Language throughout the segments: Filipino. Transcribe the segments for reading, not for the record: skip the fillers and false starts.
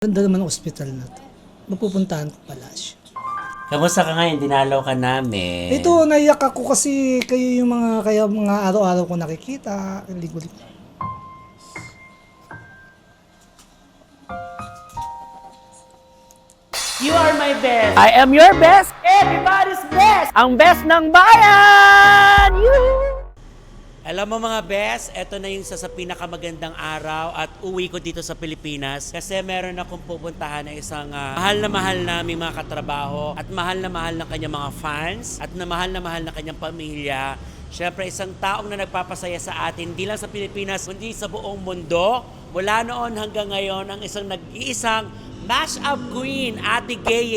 Ganda naman ang ospital na to. Mapupuntahan ko pala siya. Kamusta ka ngayon? Dinalaw ka namin. Ito, naiyak ako kasi kayo yung mga araw-araw ko nakikita. Ligo-ligo. You are my best. I am your best. Everybody's best. Ang best ng bayan. Alam mo mga best, eto na yung sa pinakamagandang araw at uwi ko dito sa Pilipinas kasi meron akong pupuntahan na isang mahal na aming mga katrabaho at mahal na kanyang mga fans at na mahal na kanyang pamilya. Siyempre, isang taong na nagpapasaya sa atin, hindi lang sa Pilipinas, kundi sa buong mundo. Mula noon hanggang ngayon, ang isang nag-iisang mash-up queen, Ate Gay,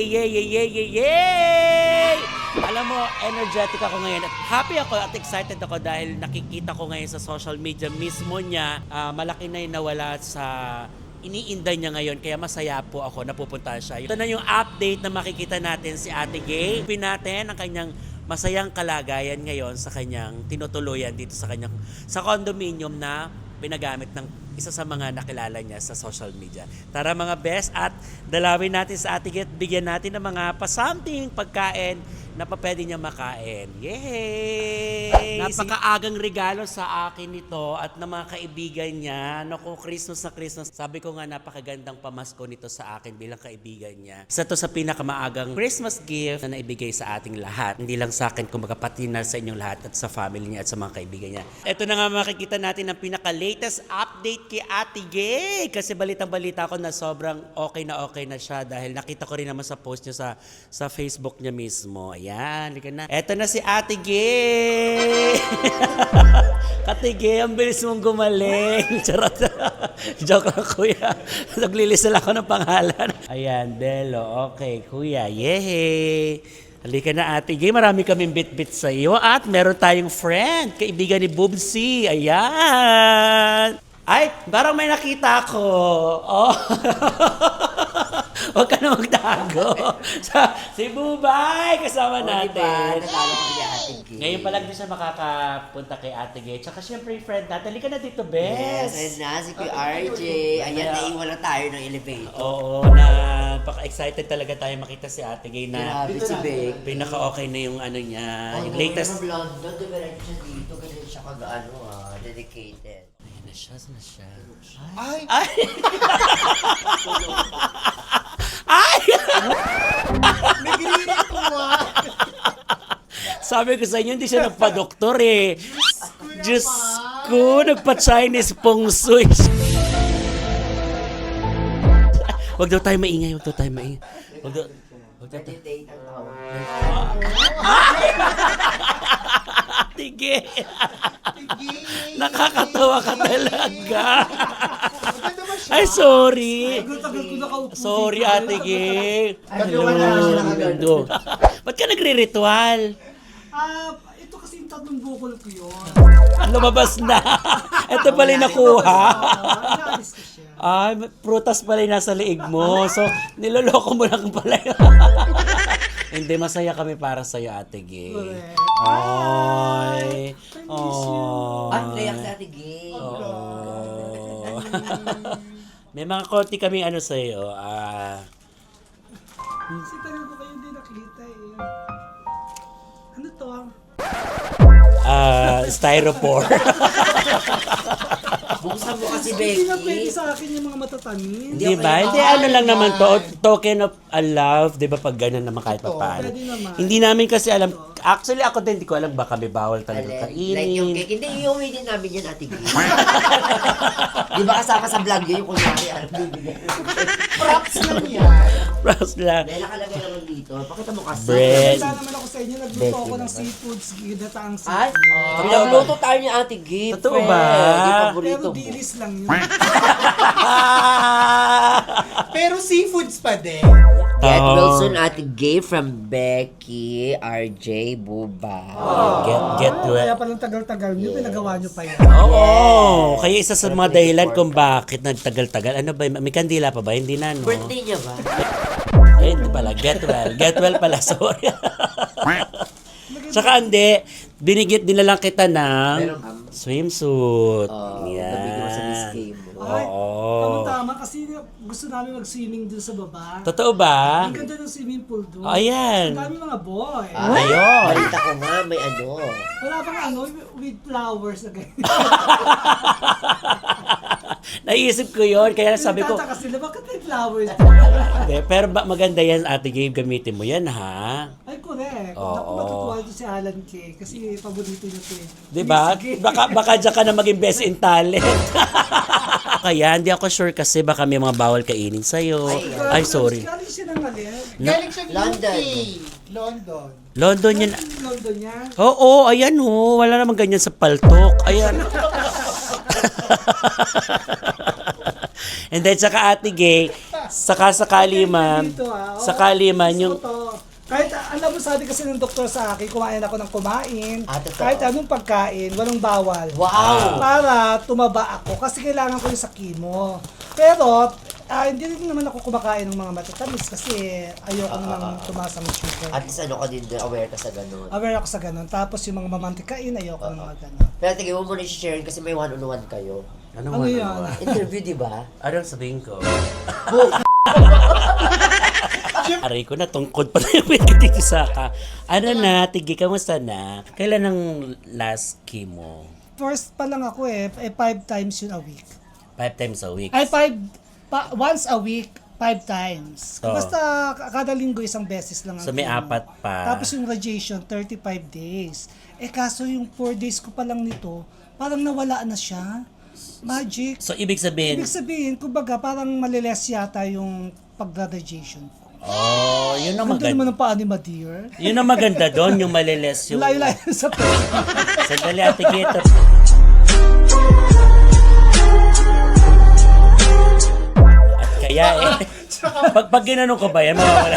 yay! Alam mo, energetic ako ngayon at happy ako at excited ako dahil nakikita ko ngayon sa social media mismo niya, malaki na yung nawala sa iniinday niya ngayon, kaya masaya po ako na pupunta siya. Ito na yung update na makikita natin si Ate Gay. Pin natin ang kanyang masayang kalagayan ngayon sa kanyang tinutuluyan dito sa condominium na pinagamit ng isa sa mga nakilala niya sa social media. Tara mga best at dalawin natin sa Ate Gay at bigyan natin ng mga pa-something pagkain na pa pwede niya makain. Yay! Napakaagang regalo sa akin nito at ng mga kaibigan niya. Naku, Christmas na Christmas. Sabi ko nga napakagandang pamasko nito sa akin bilang kaibigan niya. Isa to sa pinakamaagang Christmas gift na naibigay sa ating lahat. Hindi lang sa akin, kumbaga pati na sa inyong lahat at sa family niya at sa mga kaibigan niya. Ito na nga makikita natin ang pinaka-latest update kay Ate Gay. Kasi balitang-balita ko na sobrang okay na siya dahil nakita ko rin naman sa post niya sa Facebook niya mismo. Ayan, halika na. Eto na si Ate Gay. Ate Gay, ang bilis mong gumaling. Charot. Joke lang, kuya. Naglilisal ako ng pangalan. Ayan, Delo. Okay, kuya. Yehey. Halika na, Ate Gay. Marami kaming bit-bit sa iyo. At meron tayong friend, kaibigan ni Bubsy. Ayan. Ay, parang may nakita ko. Oh. Huwag ka na magtago. Si Bubay, kasama natin. Natalo ko kay Ate Gay. Ngayon pa lang din siya makakapunta kay Ate Gay. Tsaka syempre yung friend natin. Halika na dito, Yes, Bes. ayun na, si Kuya RJ. Ayan, naiwan na tayo ng elevator. Oo, napaka-excited talaga tayo makita si Ate Gay na Grabe si Beck. pinaka-okay na yung ano niya. Yung latest. London, diretso siya dito, kasi siya dedicated. Nasaan na siya? Ay! Ay! Ay! Nagrinito mo! Sabi ko sa inyo, hindi siya nagpa-doktor eh. Diyos ko, nagpa-Chinese feng shui. Wag daw tayo maingay, wag daw tayo maingay. Wag daw tayo. Date ang tawag. Tige. Nakakatawa ka talaga. Ay, sorry. Sorry, Ate Gay. Hello. Ba't ka nagre-ritual? Ito kasi yung tatlong bukol ko yun. Lumabas na. Ito pala yung nakuha. Naalis ko siya. Ay, prutas pala yung nasa liig mo. So, niloloko mo lang pala yun. Hindi, masaya kami para sa'yo, Ate Gay. Ay. Oh. Ang layak si Ate Gay. Oh. May mga konti kami ano sa'yo. Kasi tagal ko kayo hindi nakita eh. Ano to? Styrofoam. Buksan mo kasi, Hindi na pwede Becky. sa akin yung mga matatamis. Di ba? Hindi, ano lang naman to. Token of love. Di ba pag ganun naman kahit pa paano. Pwede naman. Hindi namin kasi alam. Actually, ako din, hindi ko alam baka may bawal talaga Like yung kainin. cake. Hindi, iuwi din namin yan, Ate Gay. Di ba kasama sa vlog yun, yung kunyari, bibigyan. Props lang yan. Props lang. Dahil nakalagay naman dito. Pakita mo kasi. Bread. Kaya naman ako sa inyo, nagluto ako ng seafoods, ginataang Ay, seafood. pinagluto tayo ni Ate Gay. Totoo friend. ba? Yung Pero paborito mo. dilis lang yun. Pero seafoods pa din. Get Oh. Wilson Ate Gay from Becky, RJ, Buba. Get Kaya well. palang tagal-tagal nyo, pinagawa nyo pa yan. Oo. Kaya isa sa mga dahilan kung bakit nagtagal-tagal. Ano ba? May kandila pa ba? Hindi na, no? Birthday niya ba? Eh, hindi pala. Get well. Get well pala. Sorry. Tsaka hindi. Dinalang kita ng swimsuit. Nabigyan mo sa Miss Gay mo. Ay, Oo. tama-tama kasi gusto namin mag-swimming dun sa baba. Totoo ba? Ang ganda ng swimming pool doon. Ayan. Ang dami mga boy. Ayun. Balita ko nga, may ano. Wala pang with flowers na ganyan. Naisip ko yon kaya sabi ko, Nagtataka sila, bakit may flowers? hindi, pero maganda yan, Ate Gabe, gamitin mo yan, ha? Ay, correct. Oo. Naku, matutuwa dito si Alan K. Kasi paborito niya ito eh. Diba? Sige. Baka dyan ka na maging best in talent. Kaya, hindi ako sure kasi baka may mga bawal kainin sa'yo. Ay, sorry. Galing siya ng alin. Galing siya London. UK. London. London yan. London niya. Oo, ayan ho. Wala namang ganyan sa paltok. Ayan. And then, saka Ate Gay, saka sakali man, Dito, ah. Oo, sakali man yung... gusto ko to. Kahit alam mo, sabi kasi ng doktor sa akin, kumain ako ng kumain. Totoo. Kahit anong pagkain, walang bawal. Wow! Para tumaba ako kasi kailangan ko yung sa chemo. Pero hindi rin naman ako kumakain ng mga matatamis kasi ayoko naman tumaas ang sugar. At least ano ka din, aware ka sa ganun. Aware ako sa ganun. Tapos yung mga mamantikain, ayoko ng mga ganun. Pero tingin mo muna i-share kasi may one-on-one kayo. Ano yan? Interview, di ba? Anong sabihin ko? Aray ko na, tungkod pa na yung dito sa ka. Ano na, Tigi, kamusta na? Kailan ang last chemo? First pa lang ako 5 times yun a week. 5 times a week. Ay, once a week, 5 times. Oo. Basta kada linggo isang beses lang ang So may chemo. 4 pa. Tapos yung radiation, 35 days. Kaso yung 4 days ko pa lang nito, parang nawala na siya. Magic. So ibig sabihin, Ibig sabihin, kumbaga, parang maliles yata yung pag-radiation ko. oh, yun ang Ganda naman maganda. ng paa ni Madeir. Yun ang maganda doon, yung maliles yung... Layo-layo sa Sandali, Ate Gita. At kaya pag ginanong ko ba yan, mawawala.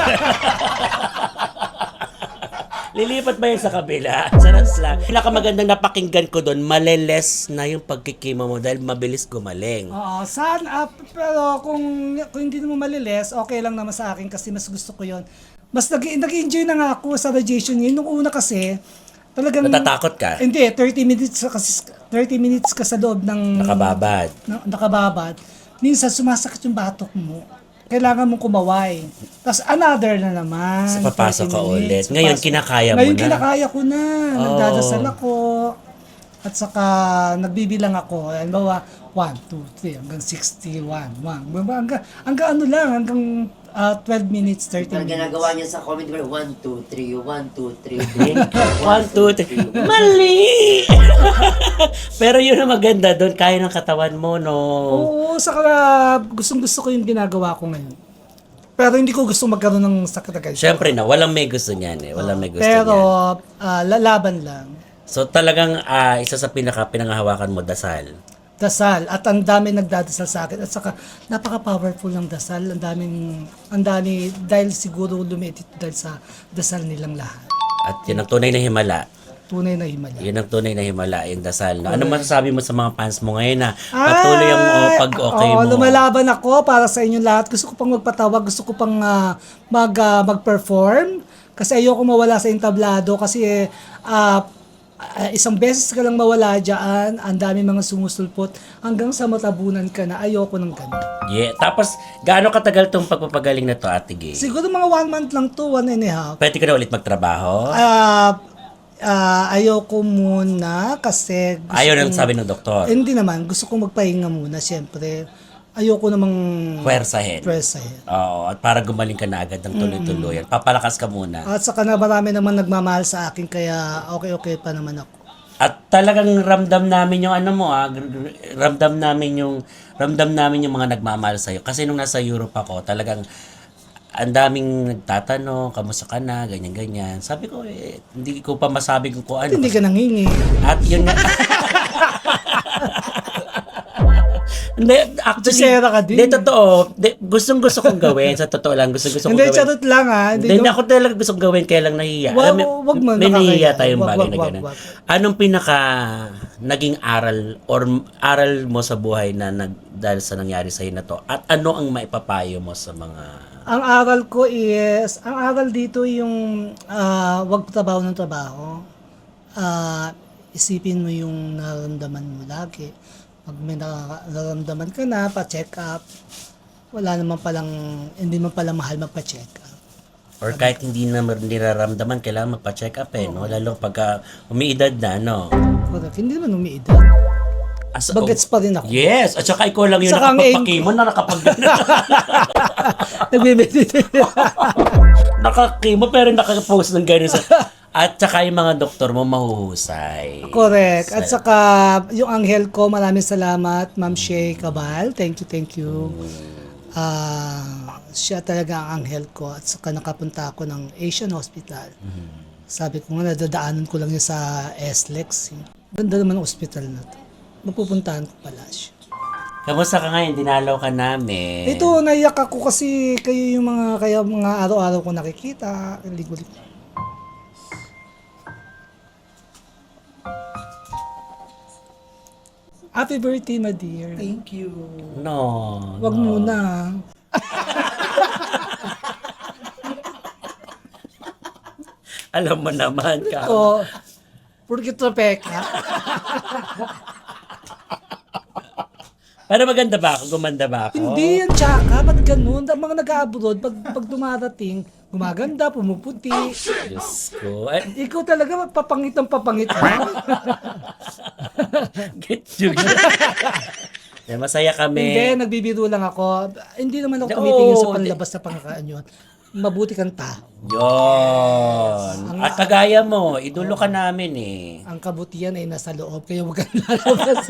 Lilipat ba yan sa kabila? Sarap lang. Pinakamagandang napakinggan ko doon, maliles na yung pagkikima mo dahil mabilis gumaling. Oo, pero kung hindi mo maliles, okay lang naman sa akin kasi mas gusto ko yon. Mas nag-enjoy na nga ako sa radiation niya. Nung una kasi, talagang... Natatakot ka? Hindi, 30 minutes ka sa loob ng... Nakababad. Nakababad. Minsan sumasakit yung batok mo. Kailangan mong kumaway. Tapos another na naman. So, papasok 30 ka minutes. ulit. Ngayon, kinakaya mo Ngayon, na? kinakaya ko na. Oh. Nagdadasal ako. At saka, nagbibilang ako. Halimbawa, 1, 2, 3, hanggang 61. Hanggang ano lang, hanggang 12 minutes, 30 Ang minutes. ginagawa niya sa comment ko, 1, 2, 3, 1, 2, 3, 1, 2, 3. Mali! Pero yun ang maganda doon, kaya ng katawan mo, no? Oo, saka gustong-gusto ko yung ginagawa ko ngayon. Pero hindi ko gusto magkaroon ng sakit agad. Siyempre na, walang may gusto niyan eh. Walang may gusto Pero, niyan. lalaban lang. So talagang isa sa pinangahawakan mo, dasal. Dasal. At ang dami nagdadasal sa akin. At saka, napaka-powerful ng dasal. Ang dami, dahil siguro lumiit dahil sa dasal nilang lahat. At yun ang tunay na himala. Tunay na himala. Yun ang tunay na himala, yung dasal. No? Ano masasabi mo sa mga fans mo ngayon na patuloy ang pag-okay mo? Lumalaban ako para sa inyong lahat. Gusto ko pang magpatawag. Gusto ko pang mag-perform. Kasi ayoko mawala sa entablado. Kasi isang beses ka lang mawala dyan, ang dami mga sumusulpot, hanggang sa matabunan ka na, ayoko ng ganun. Yeah. Tapos, gaano katagal tong pagpapagaling na to, Ate Gay? Siguro mga 1 month lang to, 1.5. Pwede ka na ulit magtrabaho? Ayoko muna kasi Ayaw na sabi ng doktor. hindi naman, gusto ko magpahinga muna, siyempre. Ayoko namang Pwersahin. pressahin. Oo, at para gumaling ka na agad ng tuloy-tuloy. Papalakas ka muna. At saka na marami naman nagmamahal sa akin, kaya okay pa naman ako. At talagang ramdam namin yung ano mo ramdam namin yung mga nagmamahal sa iyo. Kasi nung nasa Europe ako, talagang ang daming nagtatanong, kamusta ka na, ganyan-ganyan. Sabi ko, hindi ko pa masabi kung ano. Hindi ka nangingi. At yun nga. Hindi, actually, Tusera ka din. Hindi, totoo. Gustong-gusto kong gawin. Sa totoo lang, gustong-gusto kong Hindi, gawin. charot lang Hindi ako talaga gustong gawin, kaya lang nahihiya. Wag- Alam mo, wag mo, may nahihiya nakakahiya. tayong Wag, bagay na wag, gano'n. wag. Anong pinaka naging aral or aral mo sa buhay na dahil sa nangyari sa'yo na to? At ano ang maipapayo mo sa mga... Ang aral dito yung wag trabaho ng trabaho. Isipin mo yung nararamdaman mo lagi. Pag may nararamdaman ka na, pa-check up. hindi man palang mahal magpa-check up. Or kahit hindi na niraramdaman, kailangan magpa-check up no? Lalo pagka umiidad na, no? Correct. Hindi naman umiidad. Bagets pa rin ako. Yes! At saka ikaw lang yung Saka ang nakapagpakimo na Nagme-meditate. nakakimo pero nakapost ng gano'n sa... At saka yung mga doktor mo mahuhusay. Correct. At saka yung anghel ko, maraming salamat, Ma'am Shay Cabal. Thank you. Siya talaga ang anghel ko. At saka nakapunta ako ng Asian Hospital. Sabi ko nga, nadadaanan ko lang yun sa SLEX. Ganda naman ang hospital na to. Mapupuntahan ko pala siya. Kamusta ka ngayon? Dinalaw ka namin. Ito, naiyak ako kasi kayo yung mga araw-araw ko nakikita. Ligo-ligo. Happy birthday, my dear. Thank you. No. Wag muna. Alam mo naman ka. O, porque tropeka. Pero maganda ba ako? Gumanda ba ako? Hindi yan, tsaka. Ba't ganun? Ang mga nag-abroad, pag dumarating, gumaganda, pumuputi. Diyos ko. Ay, Ikaw talaga, papangit ang papangit mo. get you. Masaya kami. Hindi, nagbibiro lang ako. Hindi naman ako Oo, tumitingin sa hindi. panlabas na pangkakaan yun. Mabuti kang tao. Yun. At kagaya mo, idolo ka namin eh. Ang kabutihan ay nasa loob, kaya huwag kang lalabas.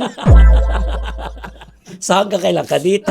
So hanggang kailan ka dito?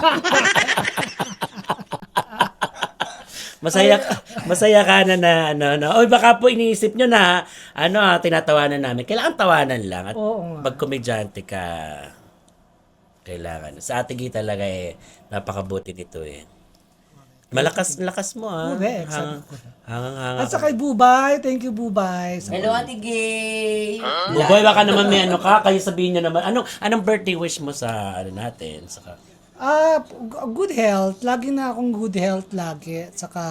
Masaya ka na Oy, baka po iniisip nyo na tinatawanan namin. Kailangan tawanan lang at Oo nga. pag komedyante ka, kailangan. Sa Ate Gita talaga napakabuti nito eh. Malakas mo Correct, sabi ko. Hangang-hanga. At sa kay Bubay, thank you Bubay. Hello, Ate Gay! Buboy, baka naman may kayo sabihin nyo naman. Anong birthday wish mo sa natin? Saka, Good health. Lagi na akong good health lagi. At saka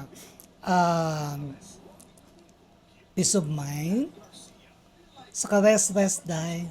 peace of mind. Saka rest, die.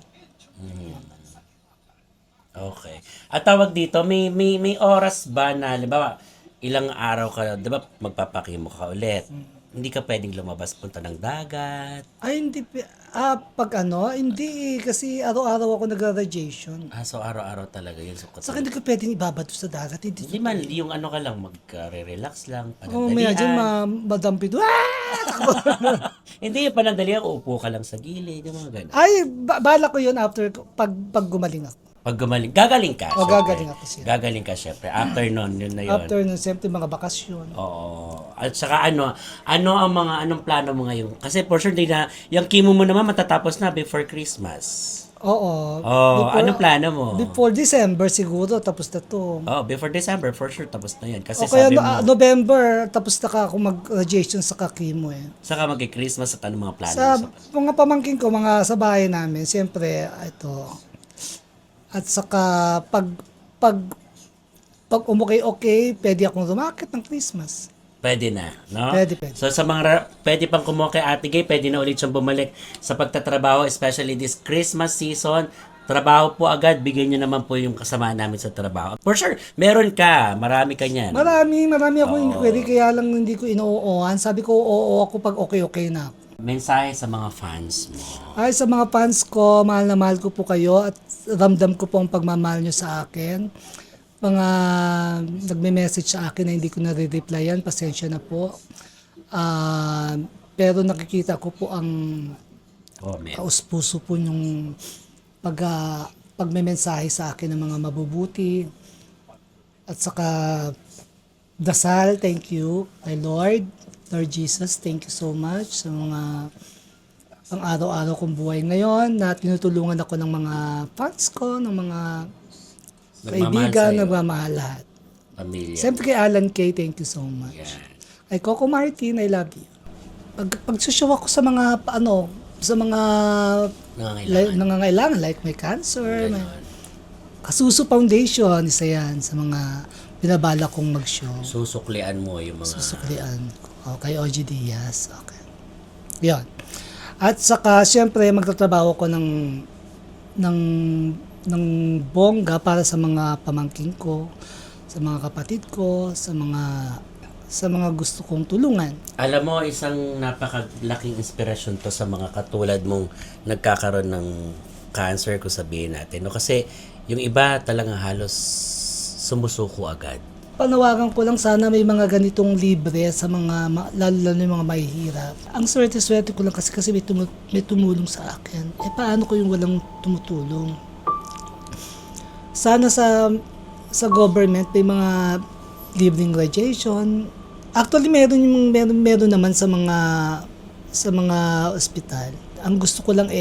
okay. At tawag dito, may oras ba na, halimbawa, ilang araw ka, di ba, magpapakimo ka ulit. Hindi ka pwedeng lumabas, punta ng dagat. Ay, hindi. Hindi. Kasi araw-araw ako nag-radiation. So araw-araw talaga yun. Saka hindi ko pwedeng ibabato sa dagat. Hindi man, yung ka lang, mag-relax lang, May dyan, panandalian. madampido. Hindi, yung panandalian, uupo ka lang sa gilid, yung mga ganun. Ay, bala ko yun after, pag gumaling ako. Pag gagaling ka. O, syempre. gagaling ako siya. Gagaling ka, syempre. After nun, yun na yun. After nun, siyempre mga bakasyon. Oo. At saka anong plano mo ngayon? Kasi for sure, yung chemo mo naman matatapos na before Christmas. Oo. Anong plano mo? Before December siguro, tapos na to. Before December, for sure, tapos na yun. Kasi O kaya sabi mo, November, tapos na ako mag-radiation sa kakimo eh. saka mag-Christmas at anong mga plano Sa mo? mga pamangkin ko, mga sa bahay namin, siyempre, ito. At saka, pag okay, pwede akong rumakit ng Christmas. Pwede na, no? Pwede. So sa pwede pang kumuha kay Ate Gay, pwede na ulit siyang bumalik sa pagtatrabaho, especially this Christmas season. Trabaho po agad, bigyan niyo naman po yung kasama namin sa trabaho. For sure, meron ka, marami ka niyan. Marami akong inquiry, kaya lang hindi ko ino-ooan. Sabi ko, oo ako pag okay na ako. Mensahe sa mga fans mo. Ay, sa mga fans ko, mahal na mahal ko po kayo at ramdam ko po ang pagmamahal nyo sa akin. Mga nagme-message sa akin na hindi ko nare-replyan, pasensya na po. Pero nakikita ko po ang Comment. kaus-puso po yung pagme-mensahe sa akin ng mga mabubuti. At saka dasal, thank you kay Lord Jesus, thank you so much sa mga ang araw-araw kong buhay ngayon na tinutulungan ako ng mga fans ko, ng mga kaibigan, sa'yo. nagmamahal lahat. Pamilya. Siyempre kay Alan Kay, thank you so much. Yan. Kay Coco Martin, I love you. Pagsushow ako sa mga, sa mga nangangailangan, like may cancer, may Kasuso Foundation, isa yan sa mga binabala kong mag-show. Susuklian mo yung mga... Susuklian ko. Kay OG Diaz. Okay. Yan. At saka, siyempre, magtatrabaho ko ng bongga para sa mga pamangkin ko. sa mga kapatid ko, sa mga gusto kong tulungan. Alam mo, isang napakalaking inspirasyon to sa mga katulad mong nagkakaroon ng cancer, kung sabihin natin. No? Kasi yung iba talagang halos sumusuko agad. Panawagan ko lang, sana may mga ganitong libre sa mga, lalo yung mga mahihirap. Ang swerte-swerte ko lang kasi may tumulong sa akin. Paano ko yung walang tumutulong? Sana sa government may mga libreng radiation. Actually, meron naman sa mga ospital. Ang gusto ko lang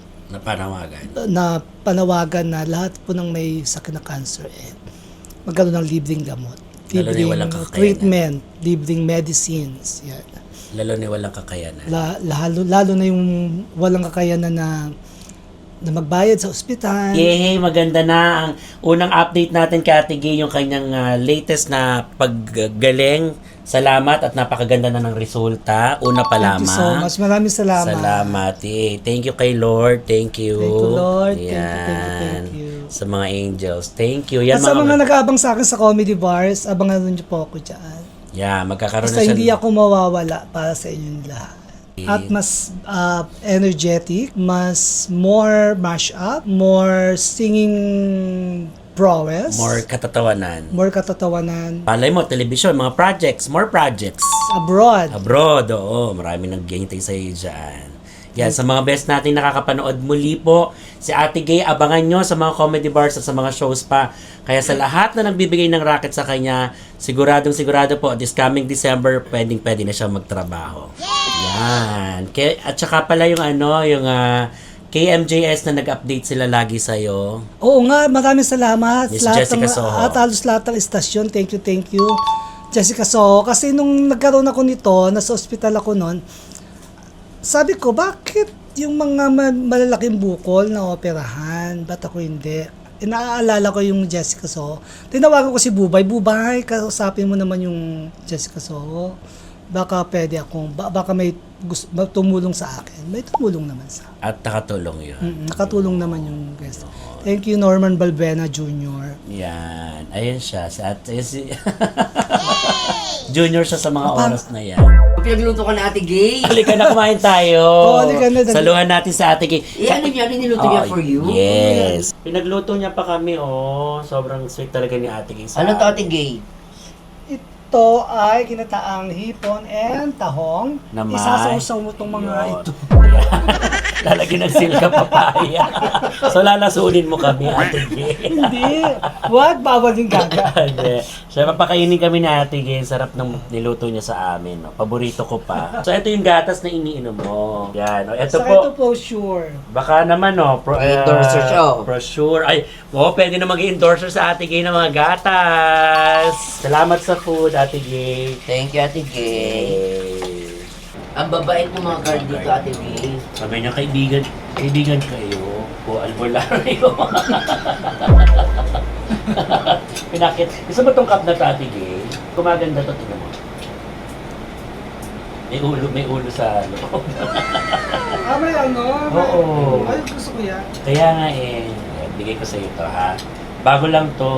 na panawagan na lahat po ng may sakit na cancer magkaroon ng libreng gamot, Lalo na libreng walang kakayanan. treatment, libreng medicines. Yan. Lalo na walang kakayanan. Lalo na yung walang kakayanan na magbayad sa ospital. Yay! Maganda na ang unang update natin kay Ate Gay, yung kanyang latest na paggaling. Salamat at napakaganda na ng resulta. Una pa Thank you so lamang. much. Maraming salamat. Salamat. Thank you kay Lord. Thank you. Thank you, Lord. Yan. Thank you. Sa mga angels. Thank you. Yan, At sa mga nag-aabang sa akin sa comedy bars, abangan niyo po ako dyan. Yeah, magkakaroon Basta na hindi ako mawawala para sa inyong lahat. At mas energetic, more mash-up, more singing prowess, more katatawanan. more katatawanan Palay mo, television, mga projects, more projects. abroad. Abroad, oo. Marami naghihintay sa iyo dyan. Yan, sa mga best natin nakakapanood muli po, si Ate Gay, abangan nyo sa mga comedy bars at sa mga shows pa. Kaya sa lahat na nagbibigay ng racket sa kanya, sigurado po, this coming December, pwede na siya magtrabaho. Yan. At saka pala yung KMJS na nag-update sila lagi sa'yo. Oo nga, maraming salamat. Miss Jessica Soho. At halos lahat ng istasyon. Thank you. Jessica Soho. Kasi nung nagkaroon ako nito, nasa ospital ako noon, sabi ko, bakit yung mga malalaking bukol na operahan? Ba't ako hindi? Naaalala ko yung Jessica Soho. Tinawagan ko si Bubay. Bubay, kausapin mo naman yung Jessica Soho. Baka pwede akong, baka may tumulong sa akin. May tumulong naman sa akin. At nakatulong yun. Nakatulong naman yung guest. Thank you, Norman Balbena Jr. Yan. Ayun siya. Junior siya sa mga oras na yan. Pinagluto ka na Ate Gay. Halika na, kumain tayo. Oo, halika na. Saluhan natin sa Ate Gay. Ano niya? Niluto niya for you? Yes. Pinagluto niya pa kami, Sobrang sweet talaga ni Ate Gay. Ano to Ate Gay? Ito ay kinataang hipon and tahong. Na may- Isasawsaw mo itong mga ito. Lalagyan ng silka papaya. So lalasunin mo kami, Ate Gay. Hindi. Wag, bawal yung gaga. Hindi. Siya, papakainin kami ni Ate Gay. Sarap ng niluto niya sa amin. No? Paborito ko pa. So, ito yung gatas na iniinom mo. Yan. No? Ito Saka po. ito po, sure. Baka naman, Endorser siya, Brochure. Ay, pwede na mag-endorser sa Ate Gay ng mga gatas. Salamat sa food, Ate Gay. Thank you Ate Gay. Yay. Ang babait ng mga girl dito Ate Gay. Sabi niya, kaibigan kayo. O albularyo. Pinakit. Gusto mo tong cup na to, Ate Gay? Kumaganda to, tingnan mo. May ulo sa loob. May ano? Oo. Ay, gusto ko yan. Kaya nga bigay ko sa iyo to, ha? Bago lang to.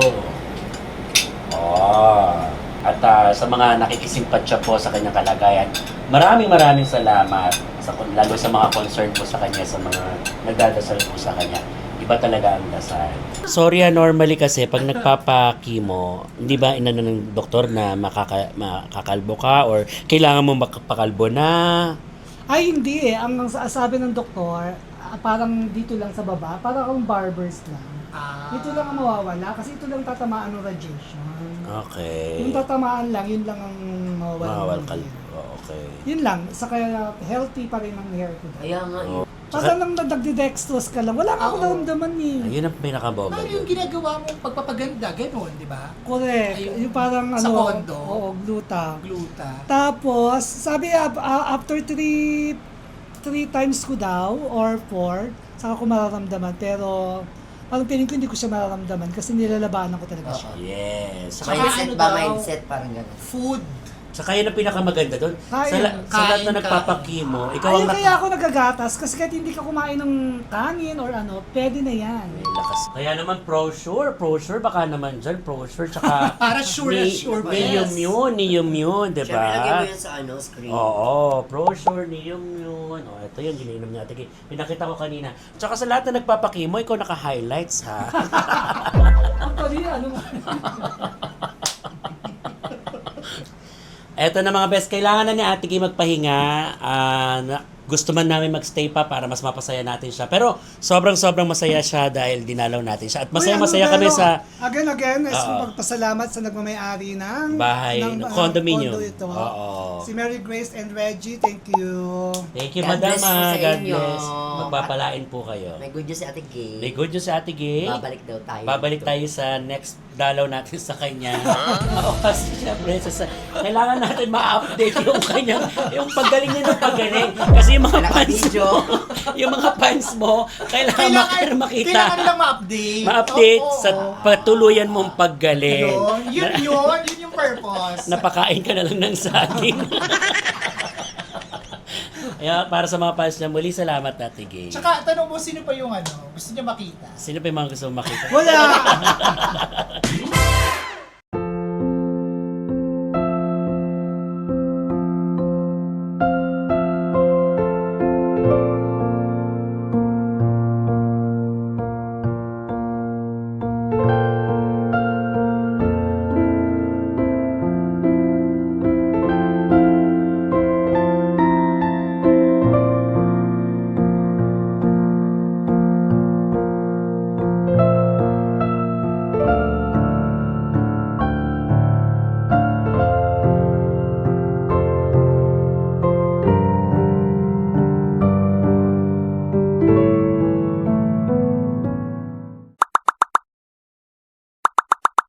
At sa mga nakikisimpatya po sa kanyang kalagayan, maraming salamat lalo sa mga concern po sa kanya, sa mga nagdadasal po sa kanya. Iba talaga ang dasal. Sorry, normally kasi pag nagpapakimo, hindi ba inano ng doktor na makakalbo ka or kailangan mo makapakalbo na? Ay, hindi eh. Ang sabi ng doktor, parang dito lang sa baba, parang akong barbers lang. Ito lang ang mawawala kasi ito lang tatamaan ng radiation. Okay. Yung tatamaan lang, yun lang ang mawawala. Mawawal ng kalbo. hair. Okay. Yun lang. Saka healthy pa rin ang hair ko. Kaya nga Oh. Basta lang nagdidextrose ka lang. Wala nga ako naramdaman eh. Ayun ang pinakaboga Paano yung ginagawa mong pagpapaganda? Ganon, di ba? Correct. Yung parang Sa ano. kondo? Oo, gluta. Gluta. Tapos, sabi after three times ko daw or 4, saka ko mararamdaman. Pero parang feeling ko hindi ko siya mararamdaman kasi nilalabanan ko talaga siya. Yes. Saka Mindset ano ba? daw? Mindset parang gano'n. Food. Tsaka yun ang pinakamaganda doon. Sa lahat na nagpapakimo, ikaw ang Ayun kaya ako nagagatas kasi kahit hindi ka kumain ng kanin or ano, pwede na yan. lakas. Kaya naman ProSure, baka naman dyan, ProSure, tsaka Para sure na sure ba? Neoimmune, di Siyempre, lagay mo ba? yan sa screen. Oo, ProSure, Neoimmune. O, ito yun, ginainom niya. Tige, pinakita ko kanina. Tsaka sa lahat na nagpapakimo, ikaw naka-highlights, ha? Actually, ano mo? Eto na mga best, kailangan na ni Ate Gay magpahinga. Gusto man namin magstay pa para mas mapasaya natin siya. Pero sobrang masaya siya dahil dinalaw natin siya. At masaya kami sa Again, is Oo. magpasalamat sa nagmamayari ng bahay, condominium. condo ito. Oo. Si Mary Grace and Reggie, thank you. Thank you, God Madam. bless po sa God inyo. bless. Magpapalain po kayo. May good news si Ate Gay. May good news sa Ate Gay. Babalik daw tayo. Babalik tayo sa next dalaw natin sa kanya. Oo, kasi syempre, kailangan natin ma-update yung kanya, yung paggaling niya ng paggaling. Kasi yung mga fans mo, yung mga fans mo, kailangan makita. Kailangan nilang ma-update. Ma-update Oo. sa patuluyan mong paggaling. Yun yung purpose. Napakain ka na lang ng saging. Kaya para sa mga fans niya, muli salamat, Ate Gay. Tsaka tanong mo, sino pa yung gusto niya makita? Sino pa yung mga gusto mong makita? Wala!